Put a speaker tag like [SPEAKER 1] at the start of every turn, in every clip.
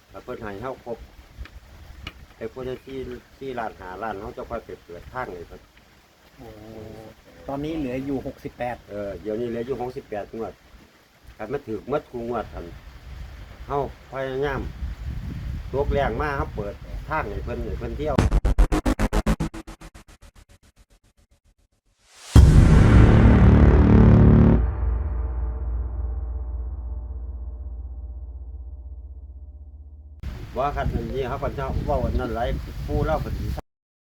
[SPEAKER 1] แล้วเพิ่นให้เฮาครบไอ้คนที่ร้านหาร้านเขาจะค่อยไปเปิดทางเลยเพิ่น
[SPEAKER 2] โอ้ตอนนี้เหลืออยู่68
[SPEAKER 1] เดี๋ยวนี้เหลืออยู่68งวดคันมาถึกหมดกูงวดคันเฮาพยายามตกแรงมาเฮาเปิดทางให้เพิ่นเที่ยวว่าคันนี้เขาก็จะเว้าอันนั้นหลายผู้เล่าเพิ่นสิ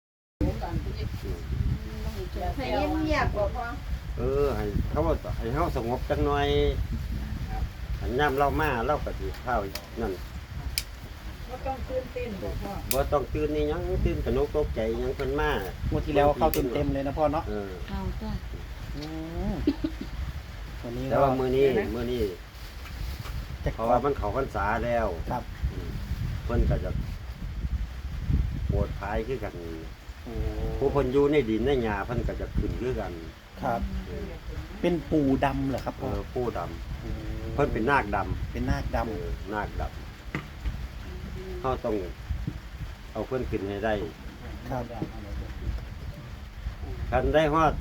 [SPEAKER 3] ให้เงียบๆบ่พอ
[SPEAKER 1] ให้เขาว่าให้เฮาสงบจักหน่อยอันยามเรามาเราก็สิเข้านั่น
[SPEAKER 3] บ่ต้องตื่นเต้นบ่พ่อ
[SPEAKER 1] บ่ต้องตื่นนี่หยังตื่นกระนกตกใจหยังเพิ่นมาง
[SPEAKER 2] วดที่แล้วเข้าเต็มๆเลยนะพ่อเนาะ
[SPEAKER 4] เอาจ้ะ
[SPEAKER 2] อืมวันนี้
[SPEAKER 1] แต่ว่ามื้อนี้
[SPEAKER 2] จะ
[SPEAKER 1] เพราะว่ามันเข้าพรรษาแล้ว
[SPEAKER 2] ครับ
[SPEAKER 1] เพิ่นก็จะโปรดภายคือกัน
[SPEAKER 2] โอ้
[SPEAKER 1] ผู้เพิ่นอยู่ในดินในหญ้าเพิ่นก็จะขึ้นคือกัน
[SPEAKER 2] ครับ เป็นปูดำเหรอครับพ่อ
[SPEAKER 1] ผู้ดำ
[SPEAKER 2] โอ้
[SPEAKER 1] เพิ่นเป็นนาคดำ
[SPEAKER 2] เป็นนาคด
[SPEAKER 1] นาคดำเฮาต้องเอาเพิ่นขึ้นให้ได้
[SPEAKER 2] ำครับ
[SPEAKER 1] คันได้ฮอด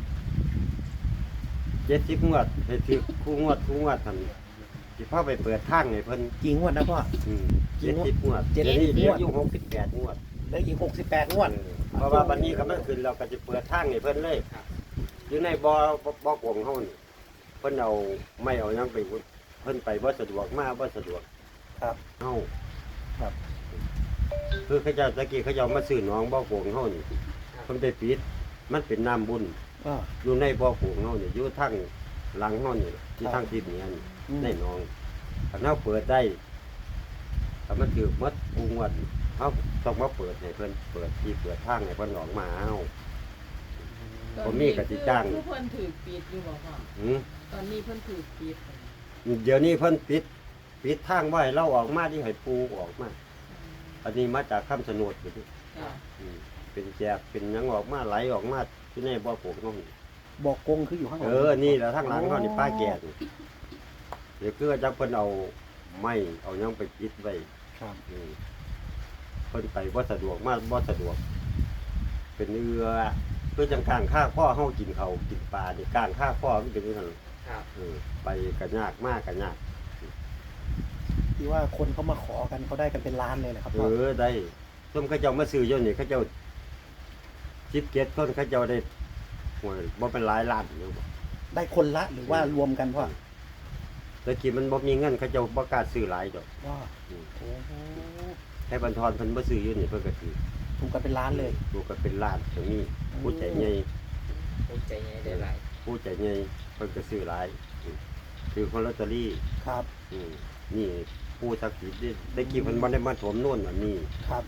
[SPEAKER 1] 70งวดให้ถึกคู่งวดหั่นสิพาไปเปิดทางให้เพิ่น
[SPEAKER 2] กี่งวดนะพ่อ
[SPEAKER 1] 70งวด
[SPEAKER 2] 70
[SPEAKER 1] เดี๋ยวนี้เหลือง
[SPEAKER 2] วด
[SPEAKER 1] อยู่68งวด
[SPEAKER 2] เหลืออีก68งวด
[SPEAKER 1] เพราะว่าวันนี้ก็มันขึ้นเราก็จะเปิดทางให้เพิ่นเลยอยู่ในบ่กวงเฮานี่เพิ่นเอาไม่เอาหยังไปเพิ่นไปบ่สะดวกมาบ่สะดวก
[SPEAKER 2] ครับ
[SPEAKER 1] เฮา
[SPEAKER 2] ครับ
[SPEAKER 1] คือเขาเจ้าตะกี้เขาเจ้ามาซื้อหนองบ่กวงเฮานี่เพิ่นไปปิดมันเป็นน้ำบุญ
[SPEAKER 2] ก็
[SPEAKER 1] อยู่ในบ่กวงเฮานี่อยู่ทางหลังเฮานี่ที่ทางทิศเหนือนี่
[SPEAKER 2] อืม
[SPEAKER 1] ในหนองถ้าเฮาเปิดได้ถ้ามันถูกหมดปูงวดเฮาต้องมาเปิดให้เพิ่นเปิดที่เปิดทางให้เพิ่นออกมาเฮา ผมมีกติจ้าง
[SPEAKER 3] ผู้เพิ่นถือปิดอยู่บ่พ่อ
[SPEAKER 1] หือ
[SPEAKER 3] ตอนนี้เพิ่นถือปิด
[SPEAKER 1] เดี๋ยวนี้เพิ่นปิดทางไว้เราออกมาที่ให้ปูออกมาอันนี้มาจากคำชะโนดอยู่นี่
[SPEAKER 3] จ้ะ
[SPEAKER 1] เป็นแจกเป็นหยังออกมาไหลออกมาที่ในบ่อปลูกน้อง
[SPEAKER 2] บอกกงคืออยู่ข้างหลัง
[SPEAKER 1] นี่แหละทางหลังเขานี่ป้าแก่นี่เดี๋ยวคือจักเพิ่นเอาไม้เอาหยังไปปิดไว้
[SPEAKER 2] ครับ
[SPEAKER 1] เพิ่นไปบ่สะดวกมาบ่สะดวก เป็นเรือคือจังกลางข้าข้อเฮากินเขาวกินปลานี่กลางข้าข้อมันเป็นจังซั่น
[SPEAKER 5] ครับ
[SPEAKER 1] ไปก็ยากมากก็ยาก
[SPEAKER 2] ที่ว่าคนเขามาขอกันเขาได้กันเป็นล้านเลยนะครับพ่อ
[SPEAKER 1] ได้ส้มเขาเจ้ามาซื้อเจ้านี่เขาเจ้า17คนเขาเจ้าได้โอ้ยบ่เป็นหลายล้านอยู่บ่
[SPEAKER 2] ได้คนละหรือว่ารวมกันพ่อ
[SPEAKER 1] แต่กี้มันบ่มีเงินเขาเจ้าบ่กล้าซื้อหลายดอก
[SPEAKER 2] ว่าโอ้โห
[SPEAKER 1] ให้บรรทอนเพิ่นบ่ซื้ออยู่นี่เพิ่นก็ซื้อ
[SPEAKER 2] ถูกกันเป็นล้านเลย
[SPEAKER 1] ดูก็เป็นล้านตรงนี้ผู้ใจใหญ่
[SPEAKER 5] ภูมิใจไงได้หลาย
[SPEAKER 1] ผู้ใจใหญ่เพิ่นก็ซื้อหลายซื้อคนลอตเตอรี่
[SPEAKER 2] ครับ
[SPEAKER 1] นี่ผู้ศักดิ์สิทธิ์ได้กี่เพิ่นบ่ได้มาถมโน่นอันนี้
[SPEAKER 2] ครับ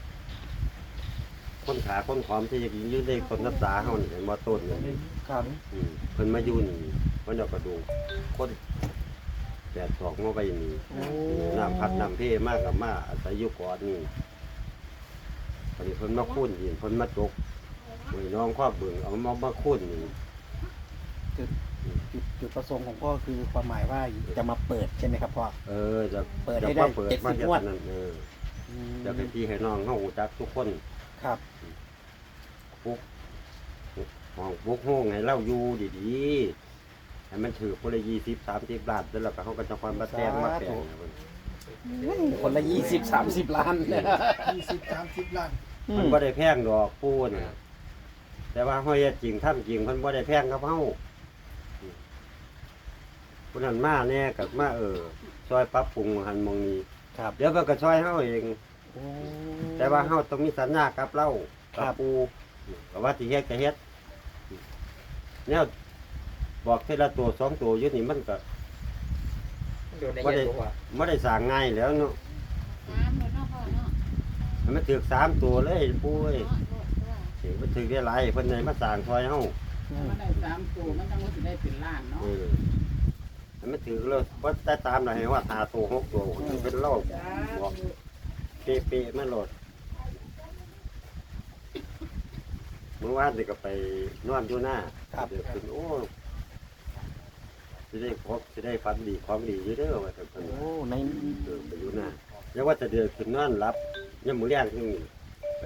[SPEAKER 1] คนขาคนขอมที่จะอยู่ในต้นน้ำตาเฮานี่เห็นบ่ต้นนี่
[SPEAKER 2] ครับ
[SPEAKER 1] เพิ่นมาอยู่นี่เพิ่นเอากระดูกคนแปดศอกมาไว้นี่
[SPEAKER 2] โอ้
[SPEAKER 1] น้ำพัดน้ำเพมากกับมาอาศัยอยู่ก่อนนี่ตอนนี้เพิ่นมาคุ้นดินเพิ่นมาตกมือน้องครอบเบิ่งเอามาคุ้นนี่
[SPEAKER 2] จุดประสงค์ของพ่อคือความหมายว่าจะมาเปิดใช่ไหมครับพ่อ
[SPEAKER 1] จะ
[SPEAKER 2] เปิดให้
[SPEAKER 1] จะ
[SPEAKER 2] ได้
[SPEAKER 1] มาเปิดมา
[SPEAKER 2] 70
[SPEAKER 1] เฮ็ด
[SPEAKER 2] งวด
[SPEAKER 1] นั่น
[SPEAKER 2] อืม
[SPEAKER 1] จะให้พี่ให้น้องเฮารู้จักทุกคน
[SPEAKER 2] ครับ
[SPEAKER 1] ปุกห้องปุกห้องให้เราอยู่ดีๆให้มันถือคนละ20 30ล้านแล้วก็เฮาก็จะความมาแต่งมาแต่ง
[SPEAKER 2] คนละ20-30 ล้าน
[SPEAKER 3] 20-30 ล้าน
[SPEAKER 1] มันบ่ได้แพงดอกปูน่ะแต่ว่าเฮาเฮ็ดจริงทำจริงเพิ่นบ่ได้แพงกับเฮาผู้นั้นมาแน่กับมาซอยปรับปรุงหันหมองนี้
[SPEAKER 2] ครับ
[SPEAKER 1] เดี๋ยวเพิ่นก็ซอยเฮาเอง
[SPEAKER 2] โอ้
[SPEAKER 1] แต่ว่าเฮาต้องมีสัญญากับเรา
[SPEAKER 2] ครั
[SPEAKER 1] กับบ ปูก็ว่าสิเฮ็ดก็เฮ็ดแนวบอกเทอละตัว2ตัวอยู่นี่มันก็
[SPEAKER 5] อยู่ใน
[SPEAKER 1] บ่
[SPEAKER 5] เย็
[SPEAKER 1] ได้
[SPEAKER 5] นตัว
[SPEAKER 1] บ่ได้สร้างง่ายแล้วเนาะ
[SPEAKER 4] น้ำเลยเนาะพ่อเนาะ
[SPEAKER 1] ให้มันถึก3ตัวเลยปูเอ้ยสิมันถึกได้หลายเพิ่นได้มาสร้างซอยเฮา
[SPEAKER 2] อืม
[SPEAKER 3] มันได้3ตัวมันต้องสิได้เป็นล้านเนาะ
[SPEAKER 1] ให้มันถือเลยว่าแต่ตามหน่อยให้ว่า5ตัว6ตัวเป็นเล่าบอกเป๊ะๆมาโหลดเมื่อวานนี่ก็ไปนอนอยู่หน้าเดี๋ยวขึ้นโอ้สิได้พบสิได้ฝันดีของดีอยู่เด้อว่าแต่เพิ่น
[SPEAKER 2] โอ้ใน
[SPEAKER 1] ไปอยู่หน้าแล้วว่าจะเดือดขึ้นนอนรับยังมือแรงขึ้นไป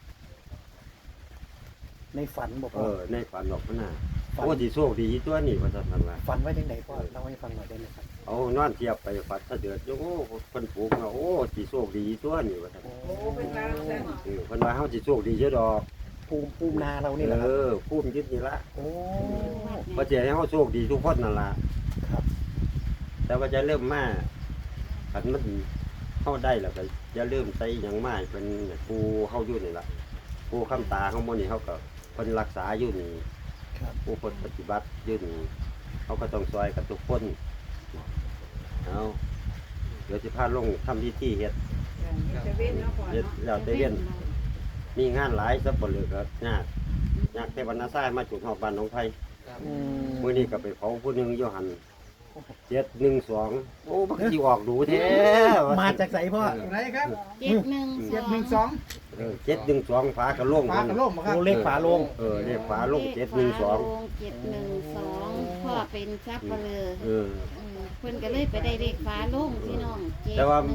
[SPEAKER 2] ในฝันบอก
[SPEAKER 1] เอ
[SPEAKER 2] ว่า
[SPEAKER 1] อในฝันบอกมันน่ะ
[SPEAKER 2] ฝัน
[SPEAKER 1] โอ้ที่โชคดีตัวนี่ว่าจะทำว่า
[SPEAKER 2] ฝันไว้ยังไงพ่อเล่าให้ฟังหน่อยได้ไหมครับ
[SPEAKER 1] เอานอนเทียบไปฝันถ้าเดือดโอ้คนปลูกเนาะโอ้ที่โชคดีตัวนี่ว่าจะ
[SPEAKER 2] โอ้
[SPEAKER 3] โอ้เป็นว่าซั่น
[SPEAKER 1] คนว่าเขาที่โชคดีเยอะดอก
[SPEAKER 2] ภูมินาเรานี่แหละค
[SPEAKER 1] เอ
[SPEAKER 2] รับ
[SPEAKER 1] อภูมิยึดนี่ละ
[SPEAKER 2] โอ้
[SPEAKER 1] เพราะจะให้เขาโชคดีทุกคนนั่นละ
[SPEAKER 2] ครับ
[SPEAKER 1] แต่ว่าจะเริ่มมาขันมันเข้าได้แล้วก็จะเริ่มใส่หยังมาเป็นปูเข้าอยู่นี่ละปูข้ามตาข้างบนนี่เขาก็คนรักษาอยู่นี่
[SPEAKER 2] ครับ
[SPEAKER 1] ผู้คนปฏิบัติอยู่นี่เขาก็ต้องซอยกับทุกคนเอาเดี๋ยวจะพาลงทำพิธีเฮ็ด
[SPEAKER 3] จะเว้นเนาะพ่อ
[SPEAKER 1] เฮ็ด
[SPEAKER 3] เนาะ
[SPEAKER 1] แล้วแต่เวียนมีงานหลายสับปะเหลือก็ยากเทวนาซ่ายมาจุดหอบบ้านหนองไผ่
[SPEAKER 5] ครับ
[SPEAKER 2] อืม
[SPEAKER 1] มื้อนี้ก็ไปเผาผู้หนึงอยู่หัน712โอ้มันสิออกดูแท้
[SPEAKER 2] มาจากไหนพ่อ
[SPEAKER 3] ไรครับ
[SPEAKER 4] 712
[SPEAKER 1] 712ฝากระโหลง
[SPEAKER 3] ฟ้ากระโล่มบ่ครับ
[SPEAKER 2] โอ้เลขฝาโลง
[SPEAKER 1] เลขฝาโลง712
[SPEAKER 4] 712พ่อเป็นซับเปลือ
[SPEAKER 1] เออ
[SPEAKER 4] เพิ่นก็เลยไปได้เลขฟ้าโล่งพี่น้อง
[SPEAKER 1] แต่ว่า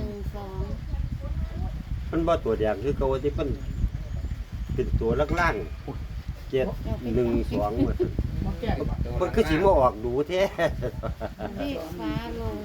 [SPEAKER 4] 712
[SPEAKER 1] มันบ่ตัวแดงคือเก่าที่เพิ่นเป็นตัวล่างๆ712หมด
[SPEAKER 3] มาแก้ดีกว่า
[SPEAKER 1] มันคือสิมาออกดูแท้
[SPEAKER 4] เลขฟ้าโล่ง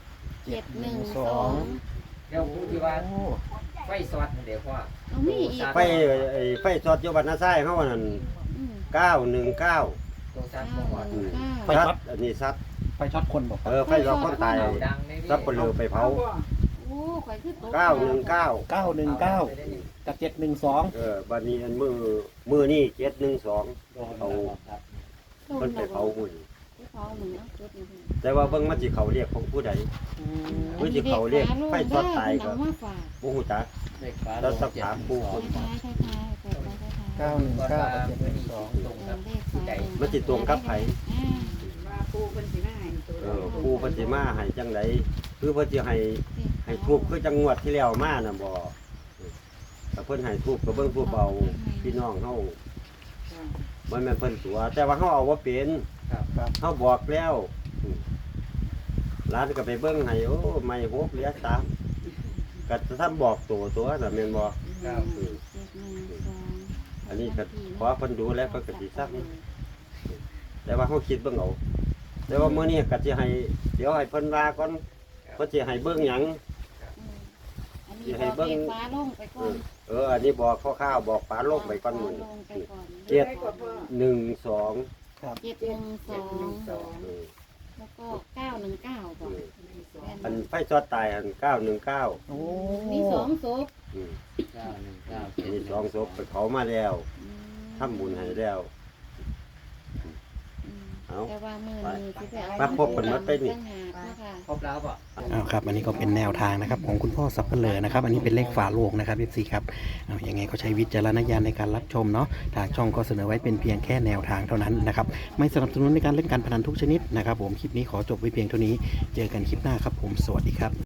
[SPEAKER 4] 712
[SPEAKER 5] เดี๋ยวพูดที่ว่า
[SPEAKER 2] โอ้
[SPEAKER 5] ไฟสอดเดี๋ยวพ่อ
[SPEAKER 4] เอามีอีก
[SPEAKER 1] ไฟสอดอยู่บ้านนาซ้ายเฮานั่น
[SPEAKER 4] อืม
[SPEAKER 1] 919
[SPEAKER 5] ตัวซัดบ่พ่อ
[SPEAKER 2] ไฟช็อต
[SPEAKER 1] อันนี้ซัด
[SPEAKER 2] ไฟช็อตคนบอก
[SPEAKER 1] ไฟสอดคนตาย
[SPEAKER 5] ดังใน
[SPEAKER 1] ซับปะเลือไปเผา
[SPEAKER 4] โอ้ข่อยคือตก
[SPEAKER 1] 919
[SPEAKER 2] 919กับ712
[SPEAKER 1] บัดนี้อันมือนี่712เอาเพิ่นไปเผาหุ่น
[SPEAKER 4] ไปเผาหนึ่งเอาจุดหนึ่ง
[SPEAKER 1] แต่ว่าเบิ่งมันสิเขาเรียกของผู้ใด เฮ้ยที่เขาเรียกไฟช็อตตายก็
[SPEAKER 4] เอามาฝาก
[SPEAKER 1] บ่ฮู้จัก
[SPEAKER 5] เลขฟ้า
[SPEAKER 1] แล้วสักถามผู้คน
[SPEAKER 4] ท้ายๆเปิดไปท้าย
[SPEAKER 2] 919กับ712
[SPEAKER 5] ตรง
[SPEAKER 4] ๆ
[SPEAKER 5] กับ
[SPEAKER 4] เลข
[SPEAKER 5] ผู้
[SPEAKER 4] ฟ้า
[SPEAKER 5] ใด
[SPEAKER 1] มันสิตรงกับไผ
[SPEAKER 3] ว่าปูเพิ่นสิมาให้ตัว
[SPEAKER 1] ปูเพิ่นสิมาให้จังไดคือเพิ่นสิให้ทูบคือจังงวดที่แล้วมาน่ะบ่ถ้าเพิ่นให้ทูบก็เบิ่งทูบเอาพี่น้องเฮามันแม่นเพิ่นตัว แต่ว่าเฮาเอาบ่เป็น
[SPEAKER 5] ครับ
[SPEAKER 1] เฮาบอกแล้วร้านก็ไปเบิ่งให้โอ้ไม่หกเหลือ3ก็ทำบอกตัวน่ะแม่นบ่
[SPEAKER 5] ครับ
[SPEAKER 1] อันนี้ก็ขอเพิ่นดูแล้วเพิ่นก็สิซักแต่ว่าเฮาคิดเบิ่งเอาแต่ว่ามื้อนี้ก็สิให้เดี๋ยวให้เพิ่นว่าก่อนเพิ่นสิให้เบิ่งหยัง
[SPEAKER 4] อันนี้บอกเลขฟ้าลงไปก่อน
[SPEAKER 1] อันนี้บอกคร่าวๆบอกปลาโลกไปก่อนมื้อ
[SPEAKER 4] ลงไปก่อน
[SPEAKER 1] 712
[SPEAKER 2] ครับ
[SPEAKER 4] 712
[SPEAKER 5] สอง
[SPEAKER 4] แล้วก็919บอก
[SPEAKER 1] อันไฟช็อตตายอัน919
[SPEAKER 2] โอ้
[SPEAKER 4] มีสองศพ
[SPEAKER 1] อันนี้2ศพไปเผามาแล้วทำบุญให้แล้ว เอา
[SPEAKER 4] แต่ว่ามือนี้สิไปเอา
[SPEAKER 1] มาพบกันหมดไปนี่
[SPEAKER 4] ต่างหากนะคะ
[SPEAKER 5] ครบแล้วป่ะ
[SPEAKER 2] ครับ อันนี้ก็เป็นแนวทางนะครับของคุณพ่อสับเปลือนะครับ อันนี้เป็นเลขฝาโลงนะครับพี่ครับยังไงก็ใช้วิจารณญาณในการรับชมเนาะทางช่องก็เสนอไว้เป็นเพียงแค่แนวทางเท่านั้นนะครับ ไม่สนับสนุนในการเล่นการพนันทุกชนิดนะครับ ผมคลิปนี้ขอจบไว้เพียงเท่านี้ เจอกันคลิปหน้าครับผมสวัสดีครับ